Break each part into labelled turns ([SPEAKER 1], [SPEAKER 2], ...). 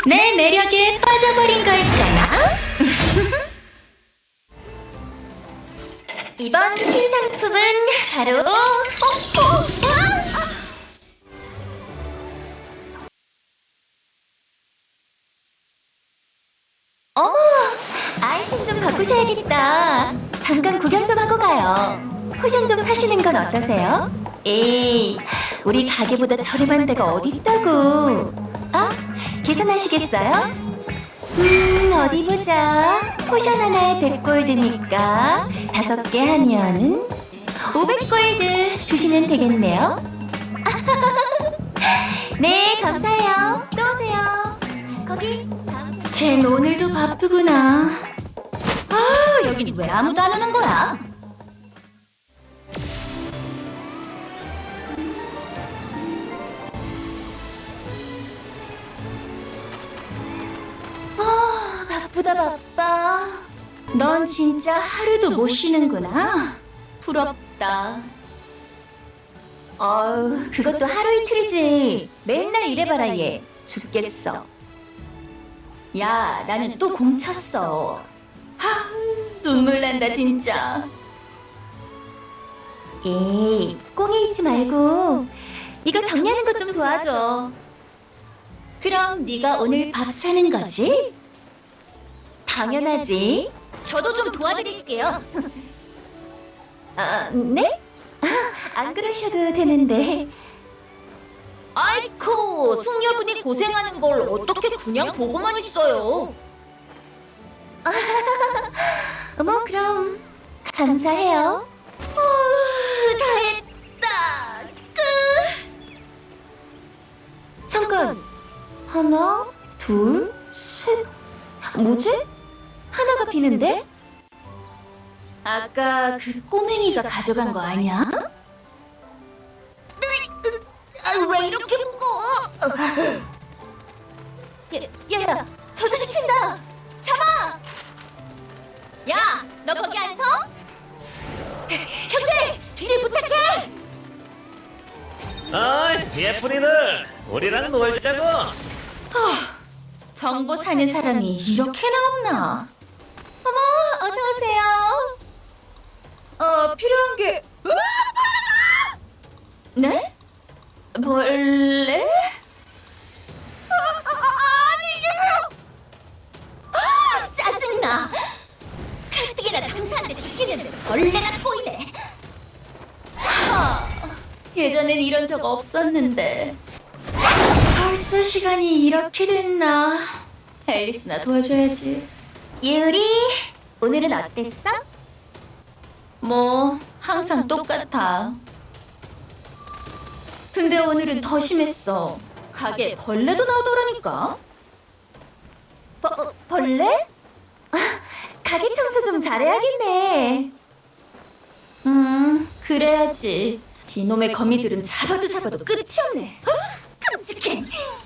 [SPEAKER 1] 내 매력에 빠져버린 걸까나? 이번 신상품은 바로 어머, 아이템 좀 바꾸셔야겠다. 잠깐 구경 좀 하고 가요. 포션 좀 사시는 건 어떠세요? 에이, 우리 가게보다 저렴한 데가 어디 있다고. 아, 계산하시겠어요? 어디 보자. 포션 하나에 100골드니까 5개 하면은 500골드 주시면 되겠네요. 네, 감사해요. 또 오세요. 거기 쟨 오늘도 바쁘구나. 아, 여긴 왜 아무도 안 오는 거야? 바쁘다 바빠. 넌 진짜 하루도 못 쉬는구나. 부럽다. 어우, 그것도 하루 이틀이지. 맨날 일해봐라 얘. 죽겠어. 야, 나는 또 공쳤어. 하, 눈물 난다 진짜. 에이, 꽁에 있지 말고 이거 정리하는 것 좀 도와줘. 그럼 네가 오늘 밥 사는 거지? 당연하지. 저도 좀 도와드릴게요. 아, 네? 안 그러셔도 되는데. 아이코, 숙녀분이 고생하는 걸 어떻게 그냥 보고만 있어요. 뭐 그럼 감사해요. 다 했다. 잠깐. 하나, 둘, 셋. 뭐지? 하나가 비는데? 아까 그 꼬맹이가 가져간 거 아니야? 왜 이렇게 무거워? 야, 저 자식 튄다. 잡아! 야, 너 거기 안 서? 형들, 뒤를 부탁해!
[SPEAKER 2] 어이, 예쁜이들, 우리랑 놀자고.
[SPEAKER 1] 정보 사는 사람이 이렇게나 없나? 어머, 어서 오세요.
[SPEAKER 3] 필요한 게
[SPEAKER 1] 네? 벌레?
[SPEAKER 3] 안녕히 계세요.
[SPEAKER 1] 짜증나. 가뜩이나 장사한테 죽기는데 벌레나 보이네. 예전엔 이런 적 없었는데. 벌써 시간이 이렇게 됐나? 앨리스나 도와줘야지. 유리, 오늘은 어땠어? 뭐 항상 똑같아. 근데 오늘은 더 심했어. 가게에 벌레도 나오더라니까. 벌레? 가게 청소 좀 잘해야겠네. 그래야지. 이놈의 거미들은 잡아도 끝이 없네. 끔찍해.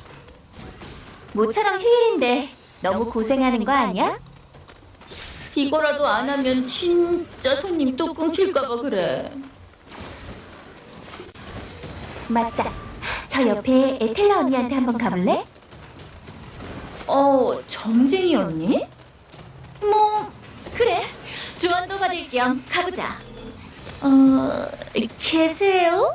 [SPEAKER 1] 모처럼 휴일인데 너무 고생하는 거 아니야? 이거라도 안 하면 진짜 손님 또 끊길까봐 그래. 맞다. 저 옆에 에텔라 언니한테 한번 가볼래? 점쟁이 언니? 뭐 그래. 조언도 받을 겸 가보자. 계세요?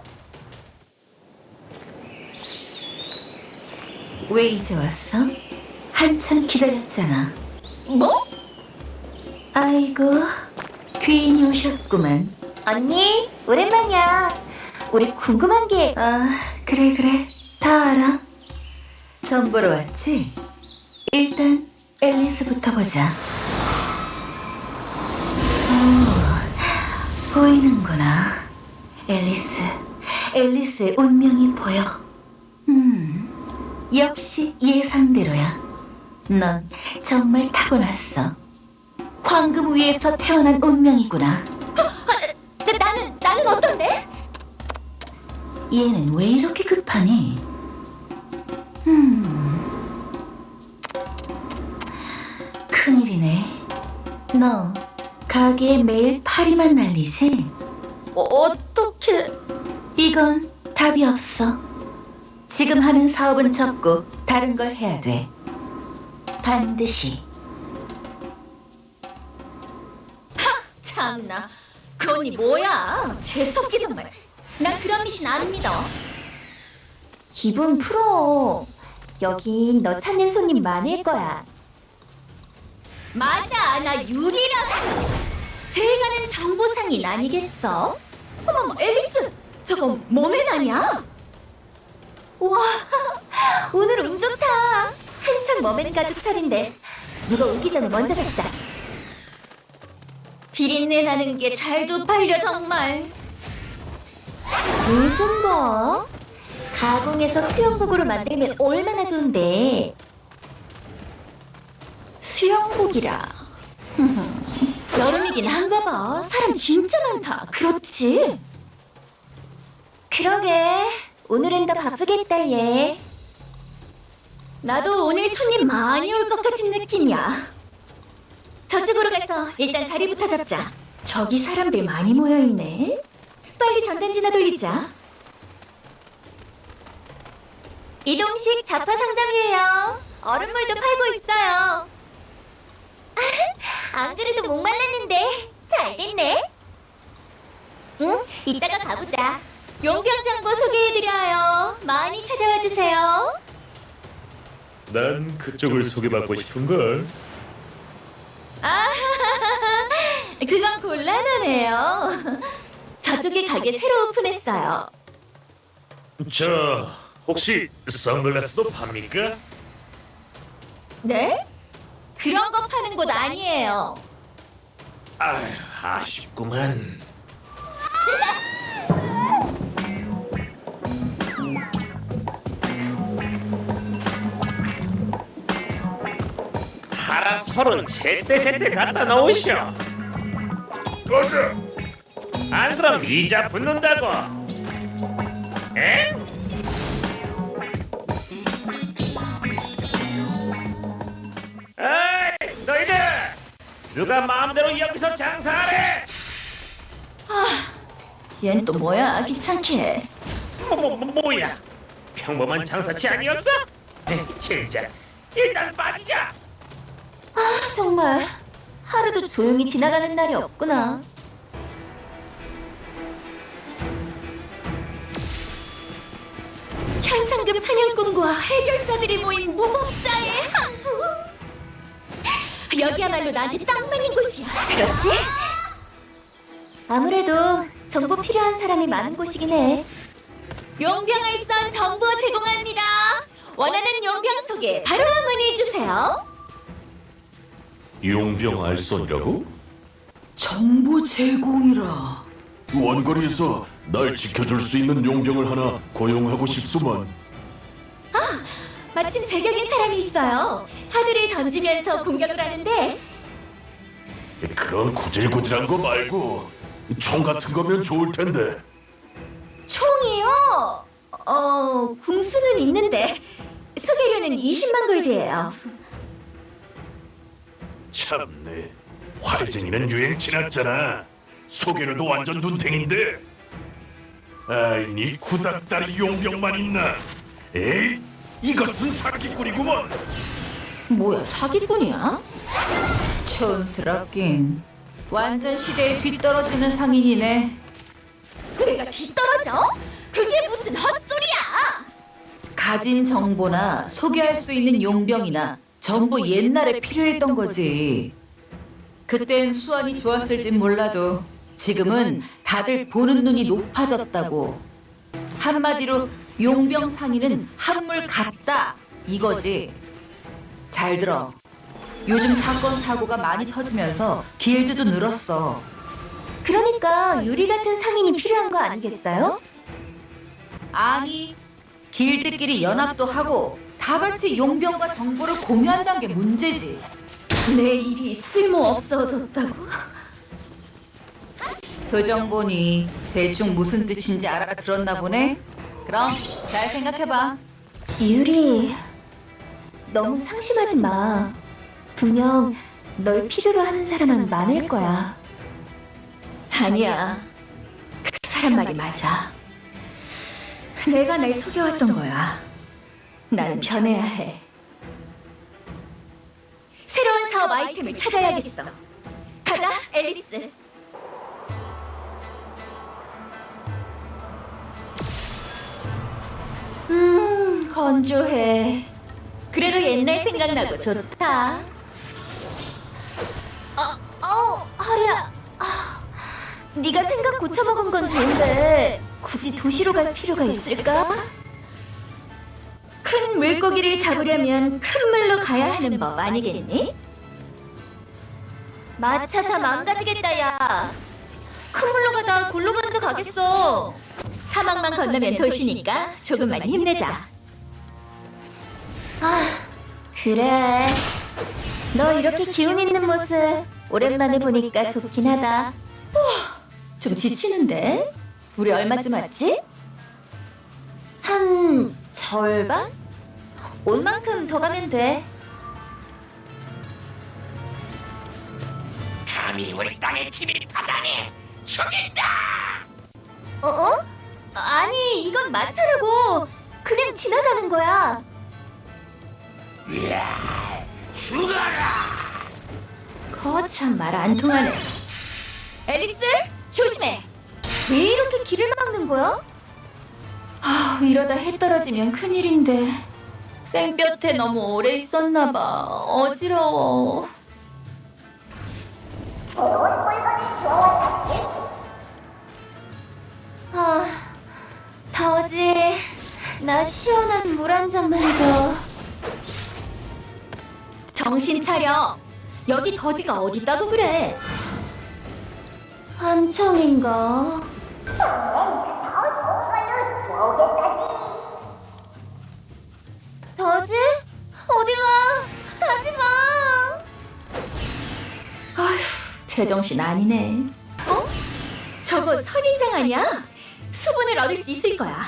[SPEAKER 3] 왜 이제 왔어? 한참 기다렸잖아.
[SPEAKER 1] 뭐?
[SPEAKER 3] 아이고, 귀인이 오셨구만.
[SPEAKER 1] 언니, 오랜만이야. 우리 궁금한 게...
[SPEAKER 3] 그래, 다 알아. 전 보러 왔지? 일단 앨리스부터 보자. 보이는구나. 앨리스의 운명이 보여. 역시 예상대로야. 넌 정말 타고났어. 황금 위에서 태어난 운명이구나.
[SPEAKER 1] 나는 어떤데?
[SPEAKER 3] 얘는 왜 이렇게 급하니? 큰일이네. 너 가게에 매일 파리만 날리지?
[SPEAKER 1] 어떻게...
[SPEAKER 3] 이건 답이 없어. 지금 하는 사업은 접고 다른 걸 해야 돼. 반드시.
[SPEAKER 1] 참나, 그 언니 뭐야? 재수없게 정말. 난 그런 미신 안 믿어.
[SPEAKER 3] 기분 풀어. 여긴 너 찾는 손님 많을 거야.
[SPEAKER 1] 맞아, 나 유리라고. 제일 가는 정보상인 아니겠어? 어머머, 앨리스, 저거 몸에 나냐?
[SPEAKER 3] 우와, 오늘 운 좋다. 한창 머맨 가족 철인데 누가 오기 전에 먼저 잡자.
[SPEAKER 1] 비린내 나는 게 잘도 팔려 정말.
[SPEAKER 3] 요즘 뭐? 가공해서 수영복으로 만들면 얼마나 좋은데.
[SPEAKER 1] 수영복이라. 여름이긴 한가 봐. 사람 진짜 많다. 그렇지?
[SPEAKER 3] 그러게, 오늘은 더 바쁘겠다 얘.
[SPEAKER 1] 나도 오늘 손님 많이 올 것 같은 느낌이야. 저쪽으로 가서 일단 자리부터 잡자. 저기 사람들 많이 모여있네. 빨리 전단지나 돌리자.
[SPEAKER 3] 이동식 자파 상점이에요. 얼음물도 팔고 있어요. 안 그래도 목말랐는데 잘 됐네. 응, 이따가 가보자.
[SPEAKER 1] 용병 정보 소개해드려요. 많이 찾아와 주세요.
[SPEAKER 2] 난 그쪽을 소개받고 싶은걸.
[SPEAKER 1] 그건 곤란하네요. 저쪽에 가게 새로 오픈했어요.
[SPEAKER 2] 저 혹시 선글라스도 팝니까?
[SPEAKER 1] 네? 그런 거 파는 곳 아니에요.
[SPEAKER 2] 아휴, 아쉽구만. 하나 서른 제때 갖다 놓으시오.
[SPEAKER 4] 가자.
[SPEAKER 2] 안 그럼 이자 붙는다고. 에? 에이, 너희들! 누가 마음대로 여기서 장사하래?
[SPEAKER 1] 얜 또 뭐야, 귀찮게.
[SPEAKER 2] 뭐야? 평범한 장사치 아니었어? 에이, 진짜. 일단 빠지자.
[SPEAKER 3] 정말 하루도 조용히 지나가는 날이 없구나.
[SPEAKER 1] 현상금 사냥꾼과 해결사들이 모인 무법자의 항구. 여기야말로 나한테 딱 맞는 곳이야. 그렇지?
[SPEAKER 3] 아무래도 정보 필요한 사람이 많은 곳이긴 해.
[SPEAKER 1] 용병알선 정보 제공합니다. 원하는 용병 소개 바로 문의 주세요.
[SPEAKER 4] 용병 알선이라고?
[SPEAKER 5] 정보 제공이라.
[SPEAKER 4] 원거리에서 날 지켜줄 수 있는 용병을 하나 고용하고 싶소만.
[SPEAKER 1] 마침 제격인 사람이 있어요. 카드를 던지면서 공격을 하는데
[SPEAKER 4] 그런 구질구질한 거 말고 총 같은 거면 좋을 텐데.
[SPEAKER 1] 총이요? 궁수는 있는데 소개료는 20만 골드예요.
[SPEAKER 4] 참네, 활쟁이는 유행 지났잖아. 소개료도 완전 눈탱인데. 아이, 니 구닥다리 용병만 있나? 에이, 이것은 사기꾼이구먼.
[SPEAKER 1] 뭐야, 사기꾼이야?
[SPEAKER 5] 촌스럽긴. 완전 시대에 뒤떨어지는 상인이네.
[SPEAKER 1] 내가 뒤떨어져? 그게 무슨 헛소리야!
[SPEAKER 5] 가진 정보나 소개할 수 있는 용병이나 전부 옛날에 필요했던 거지. 그땐 수완이 좋았을진 몰라도 지금은 다들 보는 눈이 높아졌다고. 한마디로 용병 상인은 한물 같다 이거지. 잘 들어. 요즘 사건 사고가 많이 터지면서 길드도 늘었어.
[SPEAKER 3] 그러니까 유리 같은 상인이 필요한 거 아니겠어요?
[SPEAKER 5] 아니, 길드끼리 연합도 하고 다 같이 용병과 정보를 공유한다는 게 문제지.
[SPEAKER 1] 내 일이 쓸모없어졌다고?
[SPEAKER 5] 그 정보니 대충 무슨 뜻인지 알아들었나 보네. 그럼 잘 생각해봐.
[SPEAKER 3] 유리, 너무 상심하지 마. 분명 널 필요로 하는 사람은 많을 거야.
[SPEAKER 1] 아니야. 그 사람 말이 맞아. 내가 날 속여왔던 거야. 난 변해야 해. 파워업 아이템을 찾아야겠어. 가자, 앨리스. 건조해. 그래도 옛날 생각나고 좋다.
[SPEAKER 3] 허리야. 네가 생각 고쳐먹은 건 좋은데 굳이 도시로 갈 필요가 있을까?
[SPEAKER 1] 큰 물고기를 잡으려면 큰 물로 가야 하는 법 아니겠니?
[SPEAKER 3] 마차 다 망가지겠다 야. 큰 물로 가다 골로 먼저 가겠어.
[SPEAKER 1] 사막만 건너면 도시니까 조금만 힘내자.
[SPEAKER 3] 그래. 너 이렇게 기운 있는 모습 오랜만에 보니까 좋긴 하다.
[SPEAKER 1] 좀 지치는데? 우리 얼마쯤 왔지?
[SPEAKER 3] 한 절반? 온 만큼 더 가면 돼.
[SPEAKER 2] 감히 우리 땅에 침입하다니 죽인다.
[SPEAKER 3] 어? 아니 이건 마차라고. 그냥 지나가는 거야.
[SPEAKER 2] 죽어라.
[SPEAKER 1] 거참 말 안 통하네. 앨리스, 조심해.
[SPEAKER 3] 왜 이렇게 길을 막는 거야?
[SPEAKER 1] 이러다 해 떨어지면 큰일인데. 땡볕에 너무 오래 있었나 봐. 어지러워.
[SPEAKER 3] 더지. 나 시원한 물 한 잔만 줘.
[SPEAKER 1] 정신 차려. 여기 거지가 어딨다고 그래.
[SPEAKER 3] 한청인가? 더지? 어디가? 가지마.
[SPEAKER 1] 아휴, 제정신 아니네. 어? 저거 선인장 아니야? 수분을 얻을 수 있을 거야.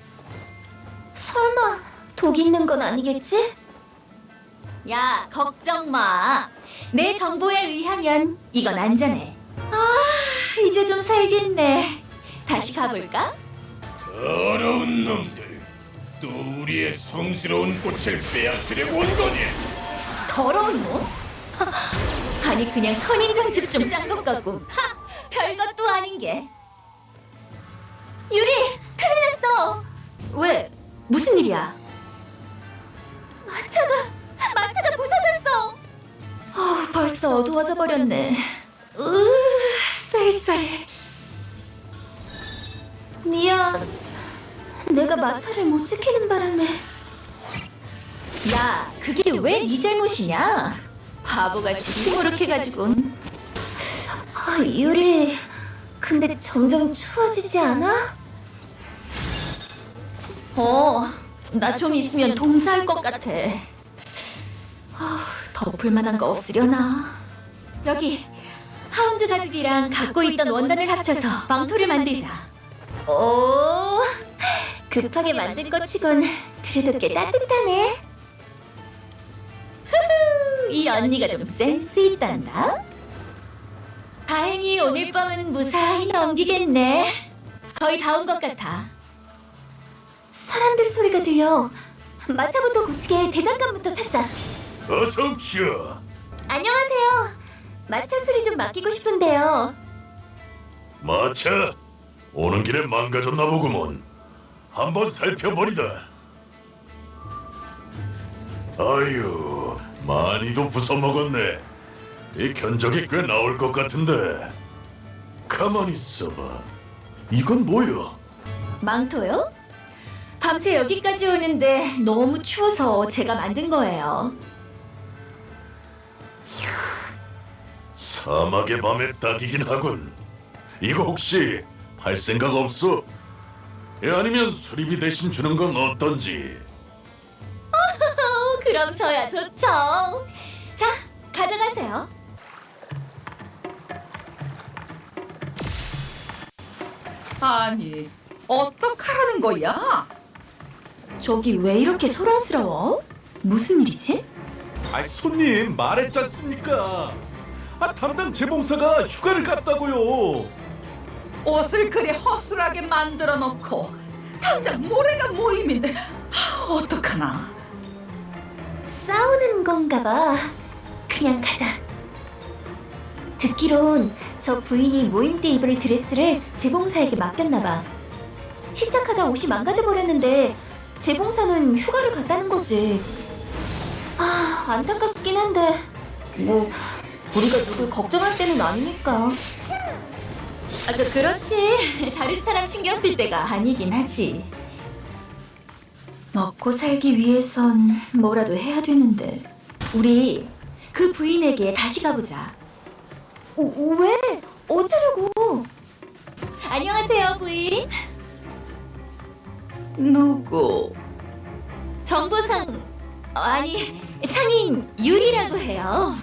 [SPEAKER 3] 설마 독 있는 건 아니겠지?
[SPEAKER 1] 야, 걱정 마. 내 정보에 의하면 이건 안전해. 이제 좀 살겠네. 다시 가볼까?
[SPEAKER 4] 더러운 놈들, 또 우리의 성스러운 꽃을 빼앗으려고 온 거니?
[SPEAKER 1] 더러운 놈? 아니 그냥 선인장집 좀 짠 것 같고. 별것도 아닌 게.
[SPEAKER 3] 유리, 큰일 났어.
[SPEAKER 1] 왜? 무슨 일이야?
[SPEAKER 3] 마차가 부서졌어.
[SPEAKER 1] 벌써 어두워져 버렸네. 쌀쌀해.
[SPEAKER 3] 미안. 내가 마차를 못 지키는 바람에.
[SPEAKER 1] 야, 그게 왜 네 잘못이냐? 바보같이 시무룩해가지고.
[SPEAKER 3] 유리, 근데 점점 추워지지 않아?
[SPEAKER 1] 나 좀 있으면 동사할 것 같아. 덮을 만한 거 없으려나? 여기 하운드 가죽이랑 갖고 있던 원단을 합쳐서 망토를 만들자.
[SPEAKER 3] 오, 급하게 만든 것 치곤 그래도 꽤 따뜻하네.
[SPEAKER 1] 이 언니가 좀 센스 있단다. 다행히 오늘 밤은 무사히 넘기겠네. 거의 다 온 것 같아.
[SPEAKER 3] 사람들 소리가 들려. 마차부터 고치게 대장간부터 찾자.
[SPEAKER 4] 어서 옵시오.
[SPEAKER 3] 안녕하세요. 마차 수리 좀 맡기고 싶은데요.
[SPEAKER 4] 마차, 오는 길에 망가졌나 보구먼. 한번 살펴버리다. 아유, 많이도 부숴먹었네. 이 견적이 꽤 나올 것 같은데. 가만히 있어봐. 이건 뭐야?
[SPEAKER 1] 망토요? 밤새 여기까지 오는데 너무 추워서 제가 만든 거예요.
[SPEAKER 4] 사막의 밤에 딱이긴 하군. 이거 혹시 팔 생각 없어? 아니면 수리비 대신 주는 건 어떤지?
[SPEAKER 1] 그럼 저야 좋죠. 자, 가져가세요.
[SPEAKER 5] 아니, 어떡하라는 거야?
[SPEAKER 1] 저기 왜 이렇게 소란스러워? 무슨 일이지?
[SPEAKER 6] 손님 말했지 않습니까? 담당 재봉사가 휴가를 갔다고요.
[SPEAKER 5] 옷을 그리 허술하게 만들어 놓고 당장 모레가 모임인데 어떡하나?
[SPEAKER 3] 싸우는 건가 봐. 그냥 가자. 듣기론 저 부인이 모임 때 입을 드레스를 재봉사에게 맡겼나봐. 시작하다 옷이 망가져버렸는데 재봉사는 휴가를 갔다는 거지. 아, 안타깝긴 한데 뭐 우리가 누굴 걱정할 때는 아니니까.
[SPEAKER 1] 그렇지. 다른 사람 신경 쓸 때가 아니긴 하지. 먹고 살기 위해선 뭐라도 해야 되는데. 우리 그 부인에게 다시 가보자.
[SPEAKER 3] 왜? 어쩌려고?
[SPEAKER 1] 안녕하세요, 부인.
[SPEAKER 5] 누구?
[SPEAKER 1] 정보상 아니 상인 유리라고 해요.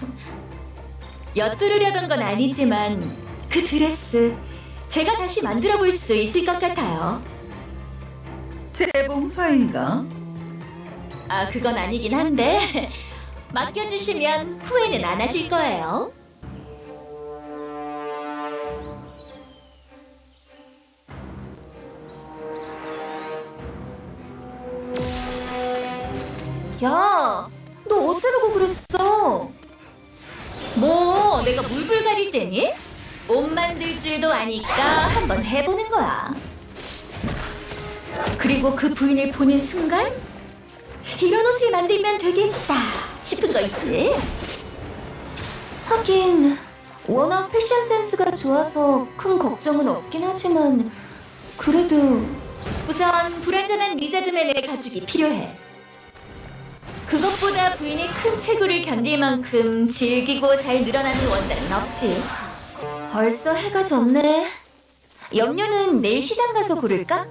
[SPEAKER 1] 엿들으려던 건 아니지만 그 드레스 제가 다시 만들어 볼 수 있을 것 같아요.
[SPEAKER 5] 재봉사인가?
[SPEAKER 1] 그건 아니긴 한데 맡겨주시면 후회는 안 하실 거예요.
[SPEAKER 3] 야, 너 어쩌려고 그랬어?
[SPEAKER 1] 뭐 내가 물불 가릴 때니? 옷 만들 줄도 아니까 한번 해보는 거야. 그리고 그 부인을 보는 순간 이런 옷을 만들면 되겠다 싶은 거 있지?
[SPEAKER 3] 하긴 워낙 패션 센스가 좋아서 큰 걱정은 없긴 하지만 그래도
[SPEAKER 1] 우선 불완전한 리자드맨의 가죽이 필요해. 그것보다 부인의 큰 체구를 견딜 만큼 질기고 잘 늘어나는 원단은 없지.
[SPEAKER 3] 벌써 해가 졌네. 염료는 내일 시장 가서 고를까?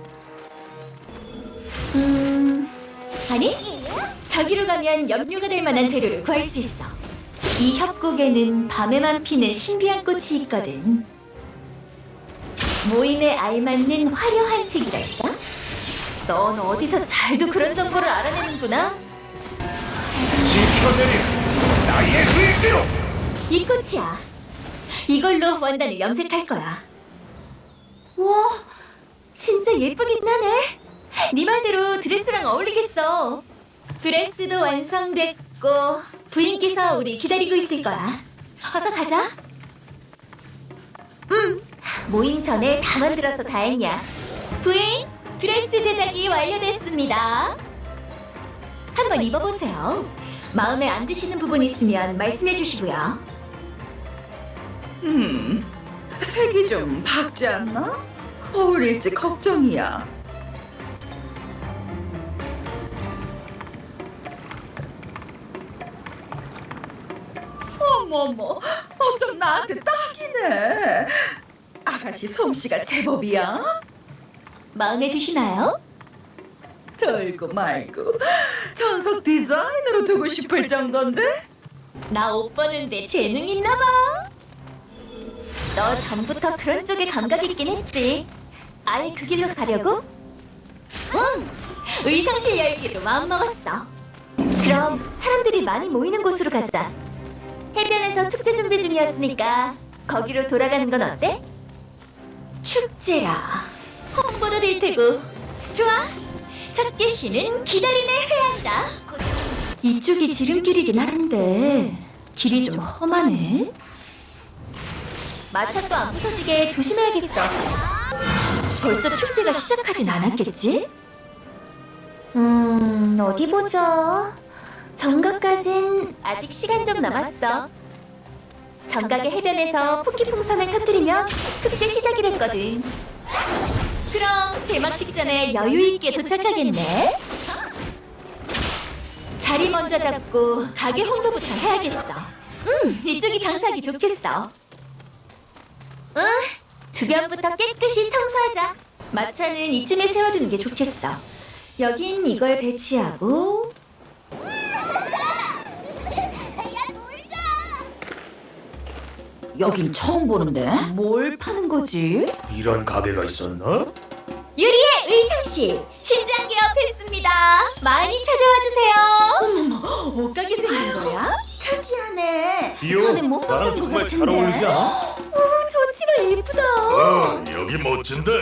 [SPEAKER 1] 아니, 저기로 가면 염료가 될 만한 재료를 구할 수 있어. 이 협곡에는 밤에만 피는 신비한 꽃이 있거든. 모임에 알맞는 화려한 색이랄까?
[SPEAKER 3] 넌 어디서 잘도 그런 정보를 알아내는구나.
[SPEAKER 2] 지켜내리 나의 의지로.
[SPEAKER 1] 이 꽃이야. 이걸로 원단을 염색할 거야.
[SPEAKER 3] 와, 진짜 예쁘긴 하네. 네 말대로 드레스랑 어울리겠어.
[SPEAKER 1] 드레스도 완성됐고 부인께서 우리 기다리고 있을 거야. 어서 가자.
[SPEAKER 3] 모임 전에 다 만들어서 다행이야.
[SPEAKER 1] 부인, 드레스 제작이 완료됐습니다. 한번 입어보세요. 마음에 안 드시는 부분 있으면 말씀해 주시고요.
[SPEAKER 5] 색이 좀 밝지 않나? 어울릴지 걱정이야. 어머머, 어쩜 나한테 딱이네. 아가씨 솜씨가 제법이야.
[SPEAKER 1] 마음에 드시나요?
[SPEAKER 5] 덜고 말고 전속 디자인으로 두고 싶을 정도인데?
[SPEAKER 1] 나 옷 보는데 재능 있나 봐.
[SPEAKER 3] 너 전부터 그런 쪽에 감각 있긴 했지. 아예 그 길로 가려고?
[SPEAKER 1] 의상실 열기로 마음먹었어.
[SPEAKER 3] 그럼 사람들이 많이 모이는 곳으로 가자. 해변에서 축제 준비 중이었으니까 거기로 돌아가는 건 어때?
[SPEAKER 1] 축제라. 홍보도 될 테고. 좋아. 첫 개시는 기다림의 해안다. 이쪽이 지름길이긴 한데 길이 좀 험하네.
[SPEAKER 3] 마차도 안 부서지게 조심해야겠어.
[SPEAKER 1] 벌써 축제가 시작하진 않았겠지?
[SPEAKER 3] 어디 보자. 정각까진 아직 시간 좀 남았어. 정각의 해변에서 풍기풍선을 터뜨리면 축제 시작이랬거든.
[SPEAKER 1] 그럼 개막식 전에 여유 있게 도착하겠네. 자리 먼저 잡고 가게 홍보부터 해야겠어. 이쪽이 장사하기 좋겠어.
[SPEAKER 3] 주변부터 깨끗이 청소하자.
[SPEAKER 1] 마차는 이쯤에 세워두는 게 좋겠어. 여긴 이걸 배치하고.
[SPEAKER 5] 여긴 처음 보는데?
[SPEAKER 1] 뭘 파는 거지?
[SPEAKER 2] 이런 가게가 있었나?
[SPEAKER 1] 유리의 의상실 신장 개업했습니다. 많이 찾아와 주세요. 어머, 옷가게 생긴 거야?
[SPEAKER 5] 특이하네.
[SPEAKER 2] 이요,
[SPEAKER 5] 전에 못
[SPEAKER 2] 나랑
[SPEAKER 5] 봤던 것
[SPEAKER 2] 정말 잘
[SPEAKER 5] 같은데.
[SPEAKER 2] 어울리지 않아?
[SPEAKER 3] 저 치마 예쁘다.
[SPEAKER 4] 여기 멋진데.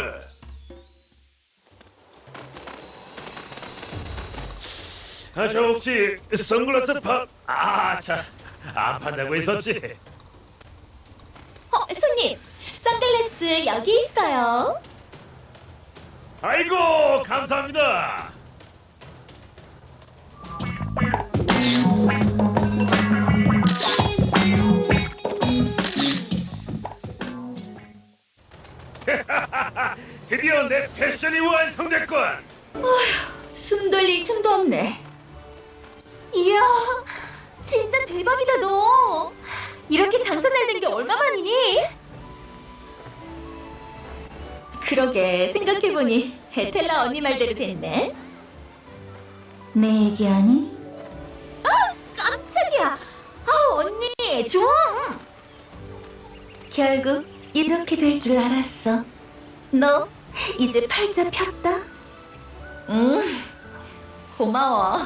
[SPEAKER 2] 저 혹시 선글라스 파? 자 안 판다고 했었지.
[SPEAKER 3] 손님, 선글라스 여기 있어요.
[SPEAKER 2] 아이고 감사합니다. 드디어 내 패션이 완성됐군.
[SPEAKER 3] 숨 돌릴 틈도 없네. 이야, 진짜 대박이다 너. 이렇게 장사 잘 된 게 얼마만이니? 그러게 생각해보니 에텔라 언니 말대로 됐네.
[SPEAKER 5] 내 얘기하니?
[SPEAKER 3] 깜짝이야. 언니 좀.
[SPEAKER 5] 결국 이렇게 될 줄 알았어. 너 이제 팔자 폈다.
[SPEAKER 3] 고마워.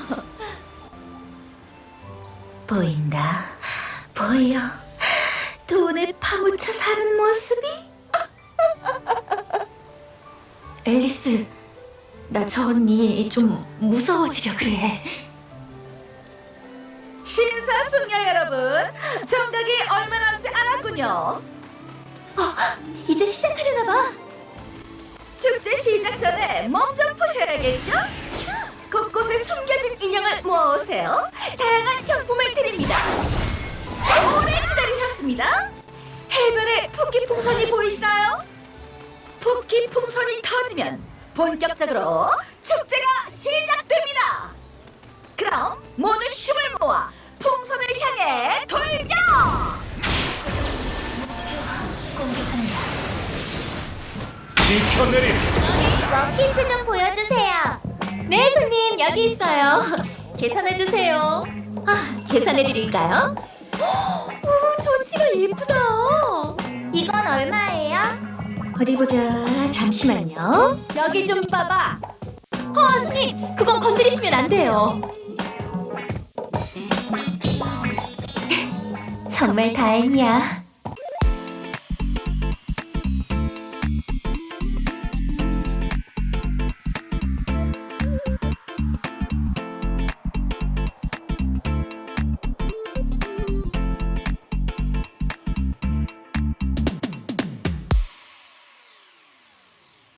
[SPEAKER 5] 보인다. 보여. 돈에 파묻혀 사는 모습이?
[SPEAKER 3] 앨리스, 나 저 언니 좀 무서워지려 그래.
[SPEAKER 5] 심사숙녀 여러분, 정각이 얼마 남지 않았군요.
[SPEAKER 3] 이제 시작하려나 봐.
[SPEAKER 5] 축제 시작 전에 몸 좀 푸셔야겠죠? 곳곳에 숨겨진 인형을 모아오세요. 다양한 경품을 드립니다. 오래 기다리셨습니다. 해변에 푸키 풍선이 보이시나요? 푸키 풍선이 터지면 본격적으로 축제가 시작됩니다. 그럼 모두 힘을 모아 풍선을 향해 돌려!
[SPEAKER 2] 지켜내리.
[SPEAKER 1] 원피스 좀 보여주세요.
[SPEAKER 3] 네, 손님 여기 있어요. 계산해 주세요. 계산해 드릴까요? 오, 전치가 예쁘다.
[SPEAKER 1] 이건 얼마예요?
[SPEAKER 3] 어디 보자. 잠시만요. 여기 좀 봐봐. 손님, 그건 건드리시면 안 돼요. 정말 다행이야.